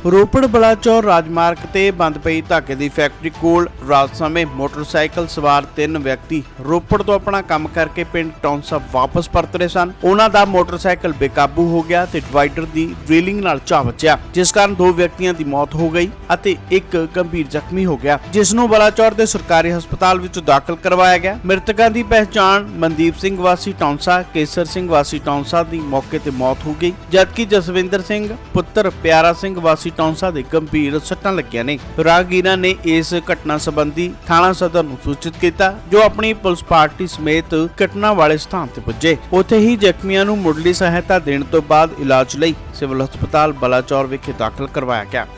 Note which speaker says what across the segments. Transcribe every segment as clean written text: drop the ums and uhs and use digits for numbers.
Speaker 1: ਰੋਪੜ ਬਲਾਚੌਰ ਰਾਜਮਾਰਗ ਤੇ ਬੰਦ ਪਈ ਧਾਗੇ ਦੀ ਫੈਕਟਰੀ ਕੋਲ ਰਾਤ ਸਮੇਂ ਮੋਟਰਸਾਈਕਲ ਸਵਾਰ 3 ਵਿਅਕਤੀ ਰੋਪੜ ਤੋਂ ਆਪਣਾ ਕੰਮ ਕਰਕੇ ਪਿੰਡ ਟੌਂਸਾ ਵਾਪਸ ਪਰਤ ਰਹੇ ਸਨ। ਉਹਨਾਂ ਦਾ ਮੋਟਰਸਾਈਕਲ ਬੇਕਾਬੂ ਹੋ ਗਿਆ ਤੇ ਡਿਵਾਈਡਰ ਦੀ ਡ੍ਰਿਲਿੰਗ ਨਾਲ ਜਾ ਵੱਜਿਆ, ਜਿਸ ਕਾਰਨ 2 ਵਿਅਕਤੀਆਂ ਦੀ ਮੌਤ ਹੋ ਗਈ ਅਤੇ ਇੱਕ ਗੰਭੀਰ ਜ਼ਖਮੀ ਹੋ ਗਿਆ, ਜਿਸ ਨੂੰ ਬਲਾਚੌਰ ਦੇ ਸਰਕਾਰੀ ਹਸਪਤਾਲ ਵਿੱਚ ਦਾਖਲ ਕਰਵਾਇਆ ਗਿਆ। ਮ੍ਰਿਤਕਾਂ ਦੀ ਪਹਿਚਾਣ ਮਨਦੀਪ ਸਿੰਘ ਵਾਸੀ ਟੌਂਸਾ, ਕੇਸਰ ਸਿੰਘ ਵਾਸੀ ਟੌਂਸਾ ਦੀ ਮੌਕੇ ਤੇ ਮੌਤ ਹੋ ਗਈ, ਜਦਕਿ ਜਸਵਿੰਦਰ ਸਿੰਘ ਪੁੱਤਰ ਪਿਆਰਾ ਸਿੰਘ ਵਾਸੀ ਟੌਂਸਾ ਦੇ ਗੰਭੀਰ ਸੱਟਾਂ ਲੱਗੀਆਂ ਨੇ। ਰਾਹਗੀਰਾਂ ਨੇ ਇਸ ਘਟਨਾ ਸੰਬੰਧੀ ਥਾਣਾ ਸਦਰ ਨੂੰ ਸੂਚਿਤ ਕੀਤਾ, ਜੋ ਆਪਣੀ ਪੁਲਿਸ ਪਾਰਟੀ ਸਮੇਤ ਘਟਨਾ ਵਾਲੇ ਸਥਾਨ ਤੇ ਪੁੱਜੇ। ਉੱਥੇ ਹੀ ਜ਼ਖਮੀਆਂ ਨੂੰ ਮੁੱਢਲੀ ਸਹਾਇਤਾ ਦੇਣ ਤੋਂ ਬਾਅਦ ਇਲਾਜ ਲਈ ਸਿਵਲ ਹਸਪਤਾਲ ਬਲਾਚੌਰ ਵਿਖੇ ਦਾਖਲ ਕਰਵਾਇਆ ਗਿਆ।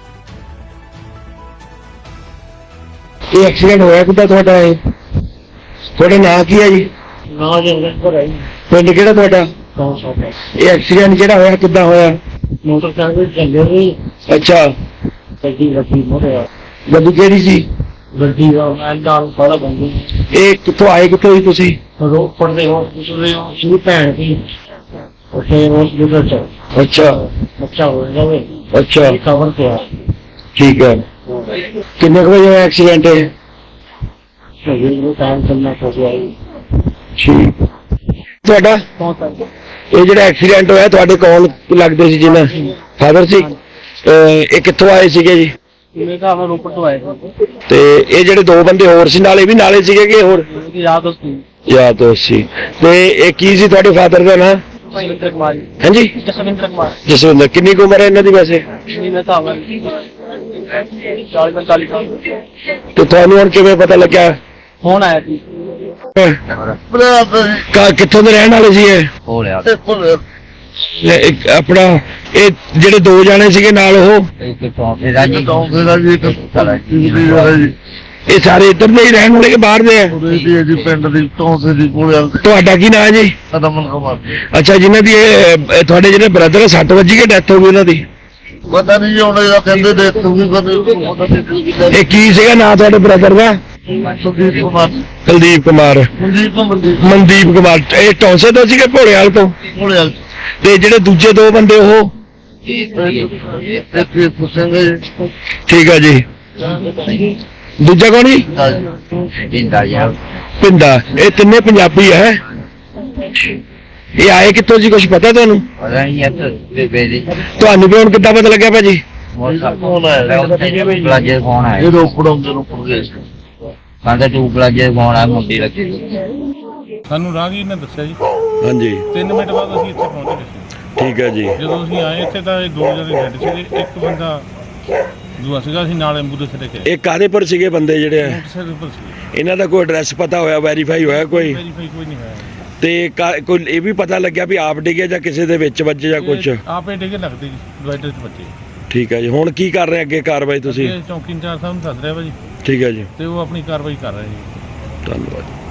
Speaker 2: ਇਹ ਐਕਸੀਡੈਂਟ ਹੋਇਆ ਕਿੱਦਾਂ ਤੁਹਾਡਾ? ਤੁਹਾਡਾ ਨਾਂ ਕੀ ਹੈ ਜੀ?
Speaker 3: ਨਾ ਜੰਗਲਪੁਰ ਹੈ।
Speaker 2: ਪਿੰਡ ਕਿਹੜਾ ਤੁਹਾਡਾ?
Speaker 3: ਟੌਂਸਾ।
Speaker 2: ਇਹ ਐਕਸੀਡੈਂਟ ਜਿਹੜਾ ਹੋਇਆ ਕਿੱਦਾਂ ਹੋਇਆ?
Speaker 3: ਮੋਟਰਸਾਈਕਲ ਚੱਲੇ ਸੀ,
Speaker 2: ਅੱਛਾ,
Speaker 3: ਗੱਡੀ ਮੋੜਿਆ।
Speaker 2: ਗੱਡੀ ਕਿਹੜੀ ਸੀ?
Speaker 3: ਗੱਡੀ ਦਾ ਮੈਂ ਨਾਲ ਸਾਰਾ ਬੰਦ।
Speaker 2: ਇਹ ਕਿੱਥੋਂ ਆਏ, ਕਿੱਥੋਂ ਸੀ ਤੁਸੀਂ?
Speaker 3: ਰੋਪੜ ਦੇ ਹੋ ਸ਼ੁਰੂ ਭੈਣ ਦੀ ਉੱਥੇ ਹਸਪੀਟਲ ਚ
Speaker 2: ਅੱਛਾ
Speaker 3: ਬੱਚਾ ਹੋ ਜਾਵੇ,
Speaker 2: ਅੱਛਾ,
Speaker 3: ਕਵਰ ਤੇ ਆ।
Speaker 2: ਠੀਕ ਹੈ। ਕਿੰਨੇ ਕੁ ਵਜੇ ਹੋਇਆ ਐਕਸੀਡੈਂਟ?
Speaker 3: ਸਹੀ ਨੂੰ ਟਾਈਮ ਕਰਨਾ ਚਾਹੀਦਾ ਹੈ।
Speaker 2: ਠੀਕ। ਤੁਹਾਡਾ
Speaker 3: ਟੌਂਸਾ
Speaker 2: ਇਹ ਜਿਹੜਾ ਐਕਸੀਡੈਂਟ ਹੋਇਆ ਤੁਹਾਡੇ ਕੌਣ ਲੱਗਦੇ ਸੀ? ਜਿਹਨਾਂ ਫਾਦਰ ਸੀ। ਇਹ ਕਿੱਥੋਂ ਆਏ ਸੀਗੇ ਜੀ?
Speaker 3: ਮੈਂ ਤਾਂ ਰੋਪੜ ਤੋਂ ਆਇਆ
Speaker 2: ਤੇ ਇਹ ਜਿਹੜੇ 2 ਬੰਦੇ ਹੋਰ ਸੀ ਨਾਲੇ ਵੀ ਨਾਲੇ ਸੀਗੇ ਕਿ ਹੋਰ?
Speaker 3: ਸੀ। ਯਾਦ ਉਸਦੀ
Speaker 2: ਯਾਦ ਦੋਸਤ ਸੀ। ਤੇ ਇਹ ਕੀ ਸੀ ਤੁਹਾਡੇ ਫਾਦਰ ਦਾ ਨਾਂ?
Speaker 3: ਜਸਵਿੰਦਰ ਕੁਮਾਰ।
Speaker 2: ਹਾਂਜੀ,
Speaker 3: ਜਸਵਿੰਦਰ ਕੁਮਾਰ।
Speaker 2: ਜਸਵਿੰਦਰ। ਕਿੰਨੀ ਕੁ ਉਮਰ ਹੈ ਇਹਨਾਂ ਦੀ ਵੈਸੇ?
Speaker 3: ਮੈਂ ਤਾਂ 40-45 ਸਾਲ
Speaker 2: ਤੇ ਤੁਹਾਨੂੰ ਹੁਣ ਕਿਵੇਂ ਪਤਾ ਲੱਗਿਆ?
Speaker 3: ਹੁਣ ਆਇਆ ਸੀ।
Speaker 2: ਕਿੱਥੋਂ ਦੇ ਰਹਿਣ ਵਾਲੇ ਸੀ ਇਹ? ਆਪਣਾ ਇਹ ਜਿਹੜੇ 2 ਜਾਣੇ ਸੀਗੇ ਨਾਲ ਉਹ ਇਹ ਸਾਰੇ ਇੱਧਰ ਦੇ ਹੀ ਰਹਿਣ ਵਾਲੇ ਕਿ ਬਾਹਰ ਦੇ ਆ?
Speaker 4: ਪਿੰਡ ਦੀ ਟੌਂਸੇ ਦੀ ਕੋਲ।
Speaker 2: ਤੁਹਾਡਾ ਕੀ ਨਾਂ ਹੈ ਜੀ?
Speaker 4: ਰਮਨ ਕੁਮਾਰ।
Speaker 2: ਅੱਛਾ, ਜਿਨ੍ਹਾਂ ਦੀ ਇਹ ਤੁਹਾਡੇ ਜਿਹੜੇ ਬ੍ਰਦਰ 6 ਵੱਜੀ ਕੇ ਡੈਥ ਹੋ ਗਈ ਉਹਨਾਂ ਦੀ?
Speaker 4: ਪਤਾ ਨਹੀਂ ਹੁਣ ਇਹਦਾ ਕਹਿੰਦੇ ਦੇ ਤੂੰ ਵੀ ਪਤਾ।
Speaker 2: ਇਹ ਕੀ ਸੀਗਾ ਨਾਂ ਤੁਹਾਡੇ ਬ੍ਰਦਰ ਦਾ?
Speaker 4: ਸੁਦੀਪ ਕੁਮਾਰ।
Speaker 2: ਕੁਲਦੀਪ ਕੁਮਾਰ। ਮਨਦੀਪ ਕੁਮਾਰ। ਇਹ ਟੌਂਸੇ ਤੋਂ ਸੀਗੇ ਭੋਲੇਵਾਲ ਤੋਂ? ਤੇ ਜਿਹੜੇ ਦੂਜੇ 2 ਬੰਦੇ ਉਹ? ਠੀਕ ਆ ਜੀ। ਦੂਜਾ ਕੌਣ ਜੀ? ਪਿੰਦਾ। ਇਹ ਤਿੰਨੇ ਪੰਜਾਬੀ ਹੈ। ਇਹ ਆਏ ਕਿੱਥੋਂ ਜੀ, ਕੁਛ ਪਤਾ ਤੁਹਾਨੂੰ? ਤੁਹਾਨੂੰ ਵੀ ਹੁਣ ਕਿੱਦਾਂ ਪਤਾ ਲੱਗਿਆ ਭਾਜੀ?
Speaker 4: ਇਹ ਰੋਪੜ ਗਏ
Speaker 5: ਸਾਨੂੰ ਰਾਹਗੀਰ ਨੇ ਦੱਸਿਆ ਜੀ।
Speaker 2: ਹਾਂਜੀ।
Speaker 5: 3 ਮਿੰਟ ਬਾਅਦ ਅਸੀਂ ਇੱਥੇ ਪਹੁੰਚ ਗਏ ਸੀ।
Speaker 2: ਠੀਕ ਹੈ ਜੀ।
Speaker 5: ਜਦੋਂ ਅਸੀਂ ਆਏ ਇੱਥੇ ਤਾਂ ਇਹ 2 ਜਣੇ ਡੈਡ ਸੀਗੇ, ਇੱਕ ਬੰਦਾ ਦੂਆ ਸੀਗਾ। ਅਸੀਂ ਨਾਲ ਐਂਬੂਲੈਂਸ ਲੈ ਕੇ
Speaker 2: ਇਹ ਕਾਹਦੇ ਪਰ ਸੀਗੇ ਬੰਦੇ ਜਿਹੜੇ ਆ?
Speaker 5: ਮੋਟਰਸਾਈਕਲ ਪਰ ਸੀ।
Speaker 2: ਇਹਨਾਂ ਦਾ ਕੋਈ ਐਡਰੈਸ ਪਤਾ ਹੋਇਆ, ਵੈਰੀਫਾਈ ਹੋਇਆ ਕੋਈ?
Speaker 5: ਵੈਰੀਫਾਈ ਕੋਈ ਨਹੀਂ ਹੋਇਆ।
Speaker 2: ਤੇ ਕੋਈ ਇਹ ਵੀ ਪਤਾ ਲੱਗਿਆ ਵੀ ਆਪ ਡਿੱਗੇ ਜਾਂ ਕਿਸੇ ਦੇ ਵਿੱਚ ਵੱਜੇ ਜਾਂ ਕੁਝ?
Speaker 5: ਆਪੇ ਡਿੱਗੇ ਲੱਗਦੇ ਜੀ, ਡਿਵਾਈਡਰ 'ਚ ਬੱਚੇ।
Speaker 2: ਠੀਕ ਹੈ ਜੀ। ਹੁਣ ਕੀ ਕਰ ਰਹੇ ਅੱਗੇ ਕਾਰਵਾਈ ਤੁਸੀਂ?
Speaker 5: ਚੌਕੀ ਇੰਚਾਰਜ ਸਾਹਿਬ ਨੂੰ ਸੱਦ ਰਿਹਾ ਵਾ ਜੀ,
Speaker 2: ਠੀਕ ਹੈ ਜੀ,
Speaker 5: ਤੇ ਉਹ ਆਪਣੀ ਕਾਰਵਾਈ ਕਰ ਰਹੇ ਜੀ।
Speaker 2: ਧੰਨਵਾਦ।